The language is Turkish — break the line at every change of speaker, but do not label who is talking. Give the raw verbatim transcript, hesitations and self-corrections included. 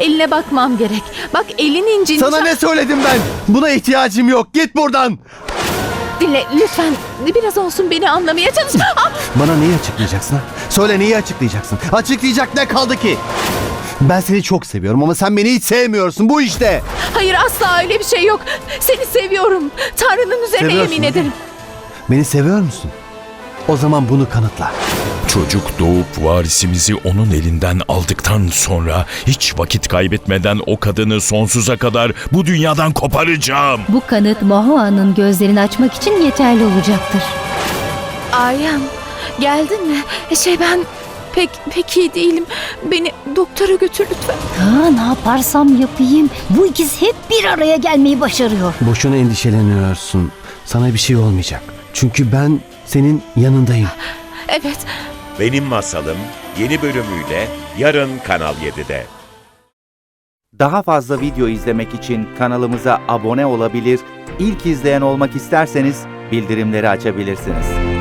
eline bakmam gerek. Bak elin incinmiş.
Sana ne söyledim ben? Buna ihtiyacım yok. Git buradan.
Dinle lütfen. Biraz olsun beni anlamaya çalış. Ah!
Bana neyi açıklayacaksın ha? Söyle neyi açıklayacaksın? Açıklayacak ne kaldı ki? Ben seni çok seviyorum ama sen beni hiç sevmiyorsun. Bu işte.
Hayır asla öyle bir şey yok. Seni seviyorum. Tanrı'nın üzerine
Seviyorsun,
yemin
değil mi?
ederim.
Beni seviyor musun? O zaman bunu kanıtla.
Çocuk doğup varisimizi onun elinden aldıktan sonra hiç vakit kaybetmeden o kadını sonsuza kadar bu dünyadan koparacağım.
Bu kanıt Mahua'nın gözlerini açmak için yeterli olacaktır.
Aryan geldin mi? Şey ben pek pek iyi değilim. Beni doktora götür lütfen.
Ha, ne yaparsam yapayım. Bu ikisi hep bir araya gelmeyi başarıyor.
Boşuna endişeleniyorsun. Sana bir şey olmayacak. Çünkü ben senin yanındayım.
Evet.
Benim Masalım yeni bölümüyle yarın Kanal yedide.
Daha fazla video izlemek için kanalımıza abone olabilir, ilk izleyen olmak isterseniz bildirimleri açabilirsiniz.